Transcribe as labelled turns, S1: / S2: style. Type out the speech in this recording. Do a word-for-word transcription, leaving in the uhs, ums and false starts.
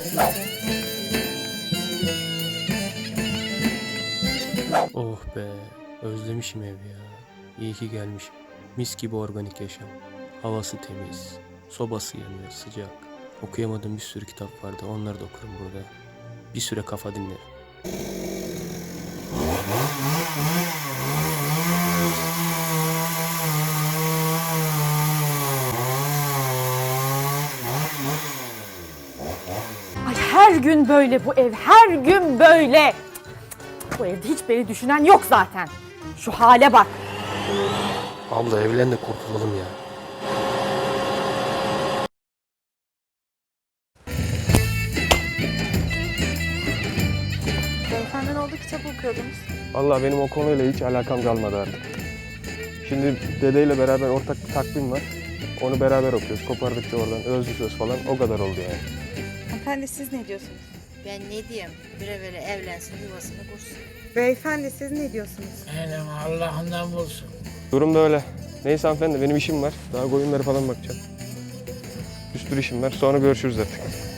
S1: Oh be, özlemişim ev ya. İyi ki gelmişim. Mis gibi organik yaşam. Havası temiz, sobası yanıyor, sıcak. Okuyamadığım bir sürü kitap vardı, onları da okurum burada. Bir süre kafa dinlerim.
S2: Ay her gün böyle bu ev, her gün böyle. Bu evde hiç beni düşünen yok zaten. Şu hale bak.
S1: Abla evlen de kurtulalım ya.
S3: Beyefendi ne oldu, kitap okuyordunuz?
S4: Vallahi benim o konuyla hiç alakam kalmadı artık. Şimdi dedeyle beraber ortak bir takvim var. Onu beraber okuyoruz. Kopardıkça oradan özlü söz falan o kadar oldu yani.
S3: Hanımefendi siz ne diyorsunuz?
S5: Ben ne diyeyim? Bir evvel evlensin, yuvasını kursun.
S3: Beyefendi siz ne diyorsunuz?
S6: Elim Allah'ından bulsun.
S4: Durum da öyle. Neyse hanımefendi benim işim var. Daha koyunlara falan bakacağım. Bir sürü işim var. Sonra görüşürüz artık.